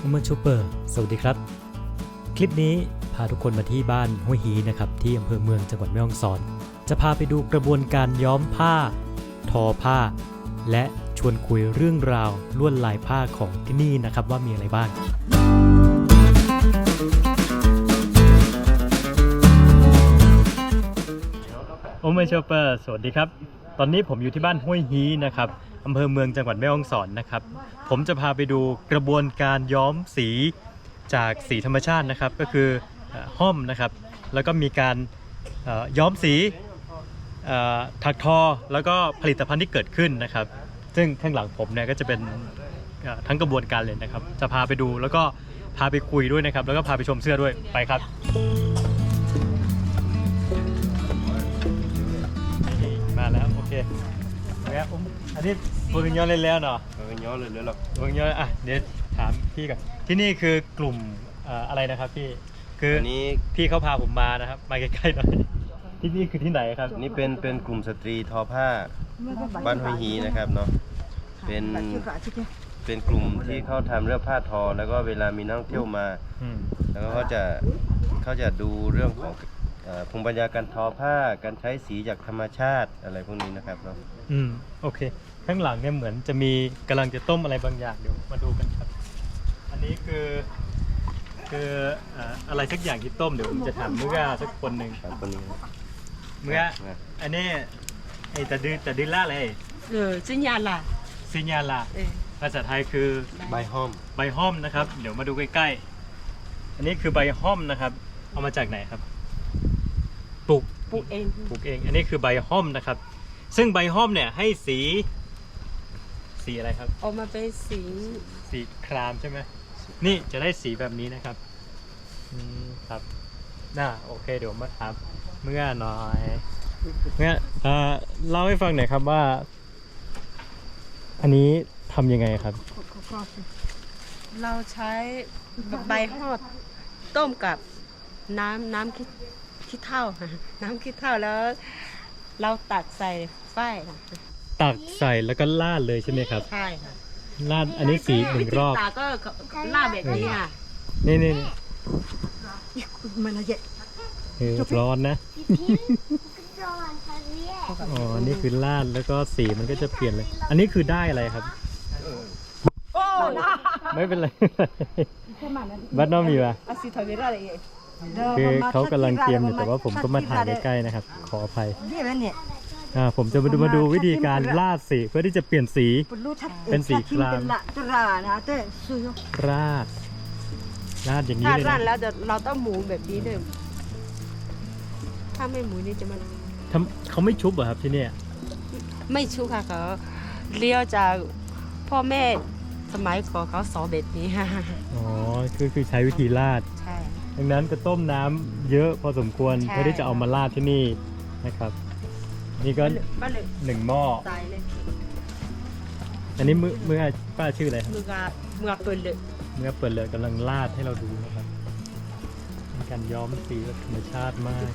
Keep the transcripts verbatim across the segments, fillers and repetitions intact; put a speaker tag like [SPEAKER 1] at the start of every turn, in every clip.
[SPEAKER 1] เมื่อชูเปอร์สวัสดีครับคลิปนี้พาทุกคนมาที่บ้านห้วยฮีนะครับที่อำเภอเมืองจังหวัดแม่ฮ่องสอนจะพาไปดูกระบวนการย้อมผ้าทอผ้าและชวนคุยเรื่องราวลวดลายผ้าของที่นี่นะครับว่ามีอะไรบ้างโอเมชูเปอร์สวัสดีครับตอนนี้ผมอยู่ที่บ้านห้วยฮีนะครับอำเภอเมืองจังหวัดแม่ฮ่องสอนนะครับผมจะพาไปดูกระบวนการย้อมสีจากสีธรรมชาตินะครับก็คือห้อมนะครับแล้วก็มีการย้อมสีถักทอแล้วก็ผลิตภัณฑ์ที่เกิดขึ้นนะครับซึ่งข้างหลังผมเนี่ยก็จะเป็นทั้งกระบวนการเลยนะครับจะพาไปดูแล้วก็พาไปคุยด้วยนะครับแล้วก็พาไปชมเสื้อด้วยไปครับมาแล้วโอเคแล้วอันนี้เพิ่งย้อนเล่นแล้วเนาะ
[SPEAKER 2] เพิ่งย้อนเลยเลยหรอ
[SPEAKER 1] เพิ่งย้อนอ่ะเดี๋ยวถามพี่ก่อนที่นี่คือกลุ่มอะไรนะครับพี่คืออันนี้พี่เขาพาผมมานะครับมาใกล้ๆหน่อยที่นี่คือที่ไหนครับ
[SPEAKER 2] นี่เป็นเป็นกลุ่มสตรีทอผ้าบ้านห้วยฮีนะครับเนาะเป็นเป็นกลุ่มที่เขาทำเรื่องผ้าทอแล้วก็เวลามีนักท่องเที่ยวมาแล้วก็เขาจะเขาจะดูเรื่องของภูมิปัญญาการทอผ้าการใช้สีจากธรรมชาติอะไรพวกนี้นะครับเนาะ
[SPEAKER 1] อืมโอเคข้างหลังเนี่ยเหมือนจะมีกำลังจะต้มอะไรบางอย่างเดี๋ยวมาดูกันครับอันนี้คือคืออะไรสักอย่างที่ต้มเดี๋ยวผมจะถามเมื่อสักคนหนึ่ง
[SPEAKER 2] ครับคนนี้
[SPEAKER 1] เมื่ออันนี้ไอ้ตะดือตะดือล่าอะไร
[SPEAKER 3] เออซิญญาล่ะ
[SPEAKER 1] ซิญญาล่ะภาษาไทยคือ
[SPEAKER 2] ใบห้อม
[SPEAKER 1] ใบห้อมนะครับเดี๋ยวมาดูใกล้ๆอันนี้คือใบห้อมนะครับเอามาจากไหนครับปลูก
[SPEAKER 3] ปลูกเอง
[SPEAKER 1] ปลูกเองอันนี้คือใบห้อมนะครับซึ่งใบห้อมเนี่ยให้สีสีอะไรครับ
[SPEAKER 3] ออกมาเป็นสี
[SPEAKER 1] สีครามใช่ไหมนี่จะได้สีแบบนี้นะครับอืมครับน่าโอเคเดี๋ยวมาถามเมื่อหน่อยเมื่อเอ่อเล่าให้ฟังหน่อยครับว่าอันนี้ทำยังไงครับ
[SPEAKER 3] เราใช้ใบหอดต้มกับน้ำน้ำขี้ขี้เถ้าน้ำขี้เถ้าแล้วเราตักใส่ฝ้าย
[SPEAKER 1] ตักใส่แล้วก็ลาดเลยใช่ไหมครับ
[SPEAKER 3] ใช่ค่ะ
[SPEAKER 1] ลาดอันนี้สีหนึ่งรอบ
[SPEAKER 3] ตาก็ลาดแบบนี้ค่ะ
[SPEAKER 1] นี่นี่มันละเอียดร้อนนะอ๋อนี่คือลาดแล้วก็สีมันก็จะเปลี่ยนเลยอันนี้คือได้อะไรครับไม่เป็นไรบัดน้องมีป่ะคือเขากำลังเตรียมอยู่แต่ว่าผมก็มาถ่ายใกล้ๆนะครับขออภัยอ่าผมจะมาดูมาดูวิธีการลาดสีเพื่อที่จะเปลี่ยนสีเป็นสีครามราดราดอย่างนี้เลยนะ
[SPEAKER 3] ราดแล้วเราต้องหมุนแบบนี้ด้วยถ้าไม่หมุนนี่จะมัน
[SPEAKER 1] ทำเขาไม่ชุบเหรอครับที่นี่
[SPEAKER 3] ไม่ชุบค่ะเขาเลี้ยวจากพ่อแม่สมัยก่อนเขาสอนแบบนี้ค่ะ
[SPEAKER 1] อ๋อคือคือใช้วิธีราด
[SPEAKER 3] ใช่
[SPEAKER 1] ดังนั้นก็ต้มน้ำเยอะพอสมควรเพื่อที่จะเอามาราดที่นี่นะครับนี่ก็หนึ่งหม้ออันนี้มือมือป้าชื่ออะไรครับ
[SPEAKER 3] มือมือเปิดเลย
[SPEAKER 1] มือเปิดเลยกำลังราดให้เราดูนะครับเป็นการย้อมสีแบบธรรมชาติมาก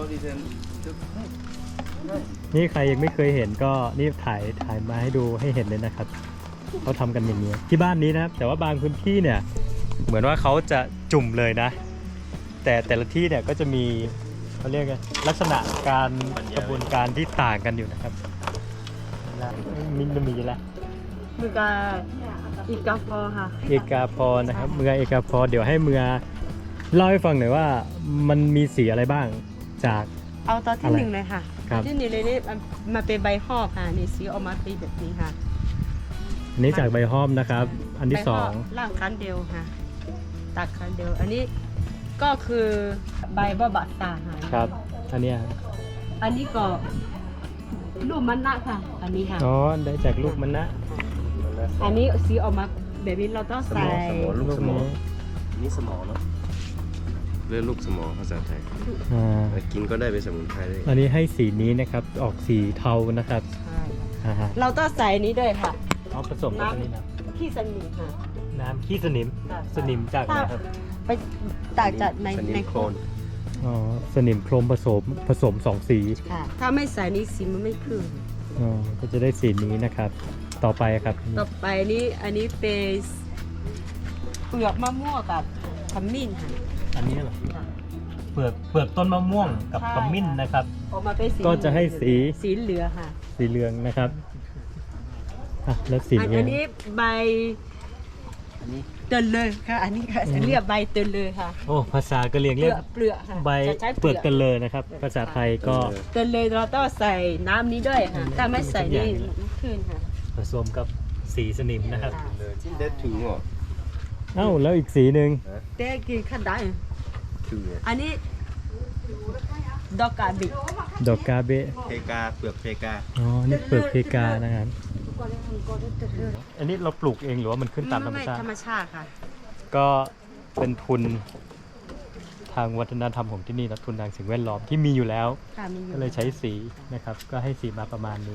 [SPEAKER 1] นี่ใครยังไม่เคยเห็นก็นี่ถ่ายถ่ายมาให้ดูให้เห็นเลยนะครับเขาทำกันอย่างนี้ที่บ้านนี้นะครับแต่ว่าบางพื้นที่เนี่ยเหมือนว่าเขาจะจุ่มเลยนะแต่แต่ละที่เนี่ยก็จะมีเขาเรียกกันลักษณะการกระบวนการที่ต่างกันอยู่นะครับมินมีแล้ว
[SPEAKER 3] มือกาอีกาพอค่ะ
[SPEAKER 1] เอกาพอนะครับเมือเอกาพอเดี๋ยวให้เมือเล่าให้ฟังหน่อยว่ามันมีสีอะไรบ้างจาก
[SPEAKER 3] เอาตอนที่หนึ่งเลยค่ะตอนที่หนึ่งเลยนี่มาเป็นใบหอบค่ะนี่สีออกมาเป็นแบบนี้ค่ะ
[SPEAKER 1] อันนี้จากใบหอมนะครับอันที่สอง
[SPEAKER 3] ล่างคันเดียวค่ะตักคันเดียวอันนี้ก็คือใบบ่บัดตา
[SPEAKER 1] ครับอันนี้
[SPEAKER 3] อันนี้ก็ลูกมันนะค่ะอันนี้ค่ะ
[SPEAKER 1] อ๋อได้จากลูกมันนะ
[SPEAKER 3] อันนี้สีออกมาแบบนี้เราต้องใส่
[SPEAKER 2] ลูกสมอนี่สมอเนาะเรียกลูกสมอภาษาไทยกินก็ได้เป็นสมุนไพรเลย
[SPEAKER 1] อันนี้ให้สีนี้นะครับออกสีเทานะครับ
[SPEAKER 3] เราต้องใส่นี้ด้วยค่ะ
[SPEAKER 1] เอาผสมกับอันนี้นะ
[SPEAKER 3] ขี้สนิมค่ะ
[SPEAKER 1] น้ำขี้สนิมสนิมจากอะไรครับ
[SPEAKER 3] ไปจากจากในในโคลน
[SPEAKER 1] อ๋อสนิมโครมผสมผสมสองสี
[SPEAKER 3] ค่ะถ้าไม่ใส่นี้สีมันไม่ขึ้น
[SPEAKER 1] อ๋อก็จะได้สีนี้นะครับต่อไปครับ
[SPEAKER 3] ต่อไปนี้อันนี้เป็นเปลือกมะม่วงกับขมิ้นค่ะ
[SPEAKER 1] อันนี้เหรอเปลือกเปลือกต้นมะม่วงกับ
[SPEAKER 3] ใช่
[SPEAKER 1] ขมิ้นนะครับ
[SPEAKER 3] ออกมาเป็นสี
[SPEAKER 1] ก็จะให้สี
[SPEAKER 3] สีเหลืองค่ะ
[SPEAKER 1] สีเหลืองนะครับอ่ะแล้วสี
[SPEAKER 3] อัน
[SPEAKER 1] เหลือง
[SPEAKER 3] นี้ใบ
[SPEAKER 2] อันนี้
[SPEAKER 3] เตือนเลยค่ะ อันนี้ค่ะ
[SPEAKER 1] อืม
[SPEAKER 3] เรียกใบเตือนเลยค่ะ
[SPEAKER 1] โอ้ภาษากะเหรี่ยง
[SPEAKER 3] เป
[SPEAKER 1] เรี
[SPEAKER 3] ลื
[SPEAKER 1] ยก
[SPEAKER 3] อกเปลือกค่ะ
[SPEAKER 1] ใบ
[SPEAKER 3] จะใช้
[SPEAKER 1] เปลือกกันเลยนะครับ ภาษาไทยก็
[SPEAKER 3] เตือนเลยเราต้องใส่น้ำนี้ด้วยค่ะถ้าไม่ใส่นี่ไม่ขึ้นค่ะ
[SPEAKER 1] ผสมกับสีสนิมนะครับ
[SPEAKER 2] เลยที่ได้ถึงเหรอ
[SPEAKER 1] เอ้าแล้วอีกสีหนึ่ง
[SPEAKER 3] เต้กินขั้นได้
[SPEAKER 2] ถึงเนี่ย
[SPEAKER 3] อันนี้ดอกกาบิ
[SPEAKER 1] ดอกกาเบะ
[SPEAKER 2] เพกาเปลือกเพกา
[SPEAKER 1] อ๋อนี่เปลือกเพกานะครับอันนี้เราปลูกเองหรือว่ามันขึ้นตามธรรมชาติ
[SPEAKER 3] ธรรมชาติค่ะ
[SPEAKER 1] ก็เป็นทุนทางวัฒนธรรมของที่นี่นะทุนทางสิ่งแวดล้อมที่มีอยู่แล้ว
[SPEAKER 3] ค่ะมีอยู่
[SPEAKER 1] ก็เลยใช้สีนะครับ ก็ให้สีมาประมาณนี้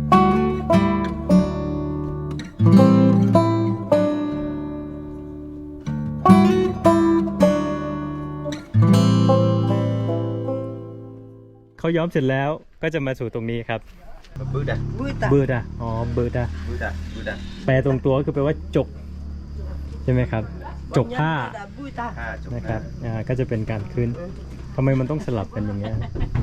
[SPEAKER 1] เขาย้อมเสร็จแล้วก็จะมาสู่ตรงนี้ครับ
[SPEAKER 2] บูดา
[SPEAKER 3] บุตา
[SPEAKER 1] เบิร์ดอะอ๋อเบิร์ดอะ
[SPEAKER 2] บูดาบูดา
[SPEAKER 1] แปลตรงตัวก็คือแปลว่าจกใช่ไหมครับ จกผ้า
[SPEAKER 3] บุตา
[SPEAKER 2] ผ้าจบ
[SPEAKER 1] นะครับอ่าก็จะเป็นการขึ้นทำไมมันต้องสลับกันอย่างเงี้ย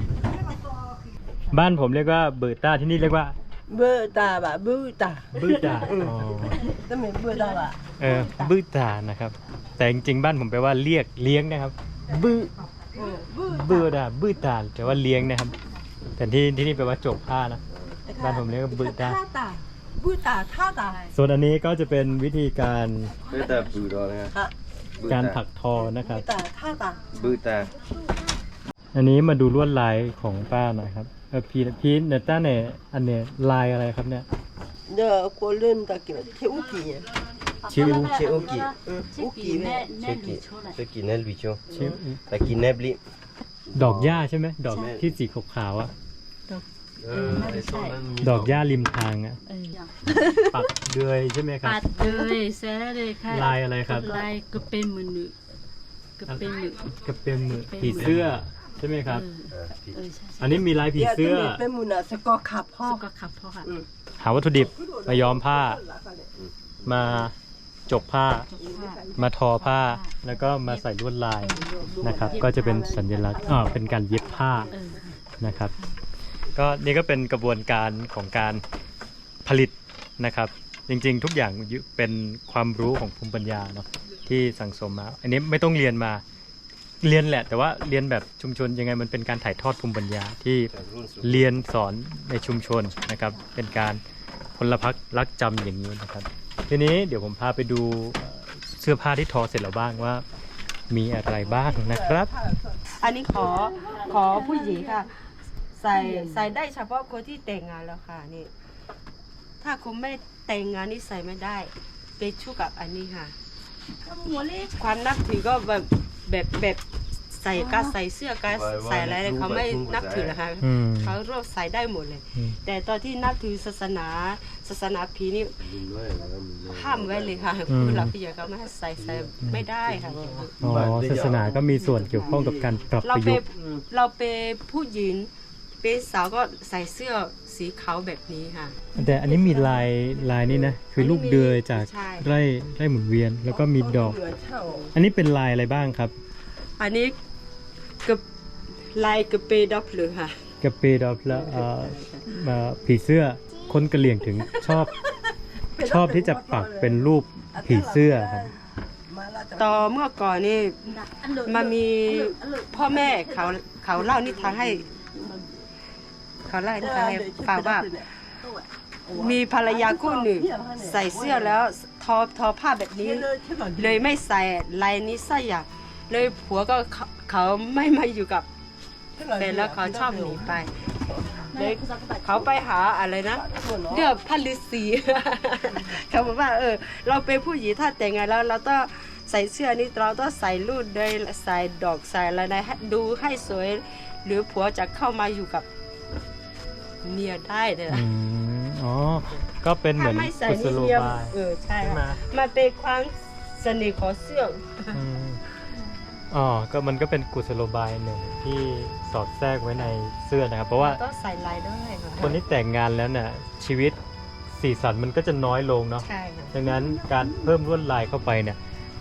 [SPEAKER 1] บ้านผมเรียกว่าเบิร์ต้าที่นี่เรียกว่า
[SPEAKER 3] บุตาบะบุตา
[SPEAKER 1] บืดาอ๋อ
[SPEAKER 3] ต้องเป็นบุตาบะ
[SPEAKER 1] เออบืดานะครับ แต่จริงๆบ้านผมแปลว่าเรียกเลี้ยงนะครับบืบืดาบืดาแปลว่าเลี้ยงนะครับ แต่ที่ที่นี่แปลว่าจกผ้านะบ้านผมเรียกว่าบืดา
[SPEAKER 3] ท่าตาบุตาท่าตา
[SPEAKER 1] ส่วนอันนี้ก็จะเป็นวิธีการ
[SPEAKER 2] บูดาบูดานะ
[SPEAKER 3] ฮะ
[SPEAKER 1] การถักทอนะครับ
[SPEAKER 3] บุตาท่าตา
[SPEAKER 2] บูดา
[SPEAKER 1] อันนี้มาดูลวดลายของป้าหน่อยครับเออพีพีเนต้าเนี่ยอันเนี้ยลายอะไรครับเนี่ย
[SPEAKER 3] เดี๋ยวกูเล่นตะเกียบเที่ยวกี่
[SPEAKER 1] ชิว
[SPEAKER 2] เชโอกิ
[SPEAKER 3] อุกี่แม่
[SPEAKER 2] เชกิเชกิเนลวิโช
[SPEAKER 1] ชิว
[SPEAKER 2] ตะกินเนบลิ
[SPEAKER 1] ดอกหญ้าใช่ไหมดอกที่สีขาวๆอ่ะ
[SPEAKER 2] เออไอ้ส้มนั้นมี
[SPEAKER 1] ดอกหญ้าริมทางอ่ะปักเดือยใช่ไหมครับ
[SPEAKER 4] ปัดเลยแซ่เลยค่ะ
[SPEAKER 1] ลายอะไรครับ
[SPEAKER 4] ลายกระเป็นมือหนึ่งกระเป็นมือ
[SPEAKER 1] กระเป็นมือผีเสื้อใช่ไหมครับ
[SPEAKER 4] เออเออใช่ใช่
[SPEAKER 1] อันนี้มีลายผีเสื้อ
[SPEAKER 3] เป็นมุนาสกอขับพ่อ
[SPEAKER 4] สุกขับพ่อค่ะ
[SPEAKER 1] หาวัตถุดิบมาย้อมผ้า มาจกผ้า มาทอผ้า แล้วก็มาใส่ลวดลายนะครับ ก็จะเป็นสัญลักษณ์อ่าเป็นการเย็บผ้า
[SPEAKER 4] เออ
[SPEAKER 1] นะครับ ก็นี่ก็เป็นกระบวนการของการผลิตนะครับ จริงๆ ทุกอย่างเป็นความรู้ของภูมิปัญญาเนาะที่สั่งสมมา อันนี้ไม่ต้องเรียนมาเรียนแหละ แต่ว่าเรียนแบบชุมชนยังไงมันเป็นการถ่ายทอดภูมิปัญญาที่เรียนสอนในชุมชนนะครับ เป็นการพลพรรครักจำอย่างนี้นะครับ ทีนี้เดี๋ยวผมพาไปดูเอ่อเสื้อผ้าที่ทอเสร็จแล้วบ้างว่ามีอะไรบ้างนะครับ
[SPEAKER 3] อันนี้ขอขอผู้หญิงค่ะ ใส่ใส่ได้เฉพาะคนที่แต่งงานแล้วค่ะนี่ ถ้าคุณไม่แต่งงานนี่ใส่ไม่ได้ไปชู่กับอันนี้ค่ะ ความนับถือก็แบบแบบแบบใส่การใส่เสื้อการใส่อะไรเขาไม่นับถือนะคะ
[SPEAKER 1] อืม
[SPEAKER 3] เขารวบใส่ได้หมดเลย
[SPEAKER 1] อืม
[SPEAKER 3] แต่ตอนที่นับถือศาสนาศาสนาผีนี่ห้ามไว้เลยค่ะผู้หลักผู้ใหญ่ก็ไม่ให้ใส่ใส่ไม่ได้ค่ะ
[SPEAKER 1] อ๋อศาสนาก็มีส่วนเกี่ยวข้องกับการปรับ
[SPEAKER 3] เรา
[SPEAKER 1] ประ
[SPEAKER 3] เป็
[SPEAKER 1] ยุ
[SPEAKER 3] น
[SPEAKER 1] กต์
[SPEAKER 3] เราเป็นผู้หญิงเป็นสาวก็ใส่เสื้อสีขาวแบบนี้ค่ะ
[SPEAKER 1] แต่อันนี้มีลายลายนี่นะ คือลูกเดือยจาก
[SPEAKER 3] ใช่
[SPEAKER 1] ไร่ไร่หมุนเวียน แล้วก็มีดอก อันนี้เป็นลายอะไรบ้างครับ
[SPEAKER 3] อันนี้กับลายกระเปดอกเลยค่ะ
[SPEAKER 1] กระเปดอกแล้วเอ่อเอ่อผีเสื้อคนกะเหรี่ยงถึงชอบ ชอบที่จะปักเป็นรูปผีเสื้อครับ
[SPEAKER 3] ตอนเมื่อก่อนนี่มันมีพ่อแม่เขาเขาเล่านิทานให้ เขาเล่านิทานให้ฟังว่า มีภรรยาคู่หนึ่งใส่เสื้อแล้วทอทอผ้าแบบนี้ เลยไม่ใส่ลายนี้สักอย่างเลยผัวก็เขาเขาไม่มาอยู่กับแฟนแล้วเขาชอบหนีไปเลยเขาไปหาอะไรนะเลือกพันฤาษี เขาบอกว่าเออเราเป็นผู้หญิงถ้าแต่งงานแล้วเราต้องใส่เสื้อนี้เราต้องใส่รูดด้วยใส่ดอกใส่อะไรนะให้ดูให้สวย หรือผัวจะเข้ามาอยู่กับเมียได้เลย
[SPEAKER 1] อืมอ๋อ ก็เป็นเหมื
[SPEAKER 3] ถ้า
[SPEAKER 1] อน
[SPEAKER 3] ไม่ใส่
[SPEAKER 1] กุศ
[SPEAKER 3] นี่
[SPEAKER 1] โล
[SPEAKER 3] เมีย
[SPEAKER 1] บาย
[SPEAKER 3] เออใช่
[SPEAKER 1] ใช่ไหม
[SPEAKER 3] ค่ะมันเป็นความเสน่ห์ของเสื้อ
[SPEAKER 1] อืมอ๋อ ก็มันก็เป็นกุศโลบายหนึ่งที่สอดแทรกไว้ในเสื้อนะครับ เพราะว่า
[SPEAKER 3] ต้องใส่ลายด้วยค่ะ
[SPEAKER 1] คนที่แต่งงานแล้วเนี่ยชีวิตสีสันมันก็จะน้อยลงเนาะ
[SPEAKER 3] ใช่ค่ะ
[SPEAKER 1] ดังนั้นการเพิ่มลวดลายเข้าไปเนี่ย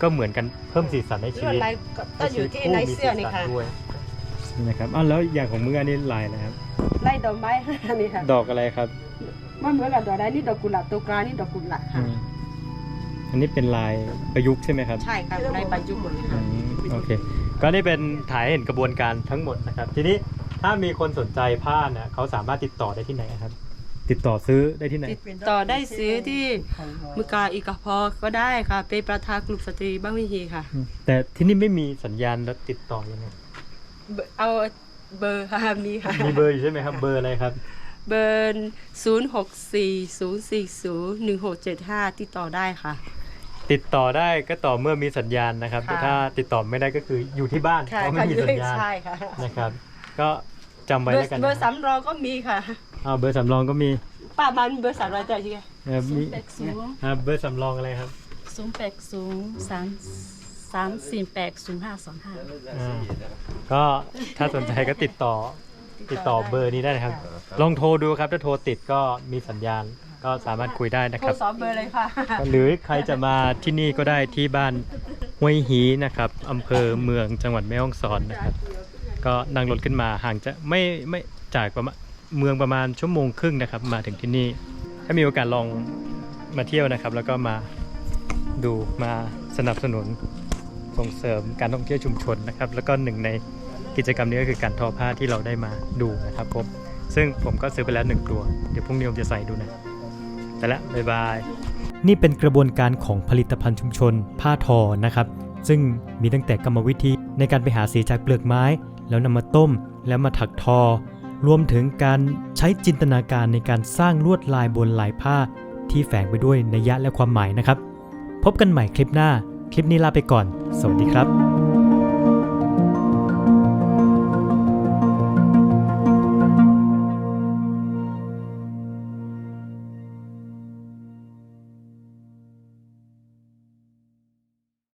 [SPEAKER 1] ก็เหมือนกันเพิ่มสีสันในชี
[SPEAKER 3] ลวด
[SPEAKER 1] วิต
[SPEAKER 3] ลายก็ก็อยู่ที่ในเสื้อนี่ค่ะ
[SPEAKER 1] ด้วยนี่นะครับอ้าวแล้วอย่างของมึงอันนี้ลายอะไรครับ
[SPEAKER 3] ไล่ดอกไม้ อันนี้ค่ะ
[SPEAKER 1] ดอกอะไรครับ
[SPEAKER 3] มันเหมือนกับดอกอะไรนี่ดอกกุหลาบตัวกลางนี่ดอกกุหลาบ
[SPEAKER 1] อื
[SPEAKER 3] ค่ะ
[SPEAKER 1] มอันนี้เป็นลายประยุกต์ใช่ไหมครับ
[SPEAKER 3] ใช่ค่ะลายบรรจุหมดเลย
[SPEAKER 1] อื
[SPEAKER 3] ค่ะ
[SPEAKER 1] มโอเคก็นี่เป็นถ่ายให้เห็นกระบวนการทั้งหมดนะครับ ทีนี้ถ้ามีคนสนใจผ้าเนี่ยเขาสามารถติดต่อได้ที่ไหนครับ ติดต่อซื้อได้ที่ไหน
[SPEAKER 3] ติดต่อได้ซื้อที่มือกาอีกาพอก็ได้ค่ะเป็นประธานกลุ่มสตรีบ้านวิฮีค่ะ
[SPEAKER 1] อืมแต่ที่นี่ไม่มีสัญญาณแล้วติดต่อยังไง
[SPEAKER 3] เบอร์เอาเบอร์ค่ะมีค่ะ
[SPEAKER 1] มีเบอร์อยู่ใช่ไหมครับ เบอร์อะไรครับ
[SPEAKER 3] เบอร์ศูนย์หกสี่ศูนย์สี่ศูนย์หนึ่งหกเจ็ดห้าติดต่อได้ค่ะ
[SPEAKER 1] ติดต่อได้ก็ต่อเมื่อมีสัญญาณนะครับ
[SPEAKER 3] ค่ะ
[SPEAKER 1] แต่ถ้าติดต่อไม่ได้ก็คืออยู่ที่บ้าน
[SPEAKER 3] ค่ะ
[SPEAKER 1] เพราะไม่มีสัญญาณ
[SPEAKER 3] ใช่ค่ะ
[SPEAKER 1] นะครับ ก็จำไว้
[SPEAKER 3] เบอ
[SPEAKER 1] แล้วกัน
[SPEAKER 3] ร์
[SPEAKER 1] นะ
[SPEAKER 3] เบอร์สำรองก็มีค่ะ
[SPEAKER 1] อ่าเบอร์สำรองก็มี
[SPEAKER 3] ป้ามันเบอร์สามร้อยแต่ยังไง
[SPEAKER 1] เอ่อ
[SPEAKER 4] ศู
[SPEAKER 1] มี
[SPEAKER 4] นย์แปดศูนย์
[SPEAKER 1] อ่าเบอร์สำรองอะไรครับ
[SPEAKER 4] ศูนย์แปดศูนย์สามสามสี่แปดศูนย์ห้าสองห้า
[SPEAKER 1] อ่าก็ถ้าสนใจก็ติดต่อติดต่อเบอร์นี้ได้นะครับ ลองโทรดูครับ ถ้าโทรติดก็มีสัญญาณก็สามารถคุยได้นะ
[SPEAKER 3] โท
[SPEAKER 1] ค
[SPEAKER 3] ร
[SPEAKER 1] รับ
[SPEAKER 3] สอบเบอร์เลยค่ะ
[SPEAKER 1] หรือใครจะมาที่นี่ก็ได้ที่บ้านห้วยฮีนะครับอำเภอเมืองจังหวัดแม่ฮ่องสอนนะครับ ก็นั่งรถขึ้นมาห่างจะไม่ไม่จากประมาณเมืองประมาณชั่วโมงครึ่งนะครับ มาถึงที่นี่ ถ้ามีโอกาสลองมาเที่ยวนะครับ แล้วก็มาดูมาสนับสนุนส่งเสริมการท่องเที่ยวชุมชนนะครับ แล้วก็หนึ่งในกิจกรรมนี้ก็คือการทอผ้าที่เราได้มาดูนะครับผมซึ่งผมก็ซื้อไปแล้วหนึ่งตัวเดี๋ยวพรุ่งนี้ผมจะใส่ดูนะแต่ละบ๊ายบาย นี่เป็นกระบวนการของผลิตภัณฑ์ชุมชนผ้าทอนะครับ ซึ่งมีตั้งแต่กรรมวิธีในการไปหาสีจากเปลือกไม้ แล้วนำมาต้มแล้วมาถักทอ รวมถึงการใช้จินตนาการในการสร้างลวดลายบนลายผ้าที่แฝงไปด้วยนัยยะและความหมายนะครับ พบกันใหม่คลิปหน้า คลิปนี้ลาไปก่อน สวัสดีครับ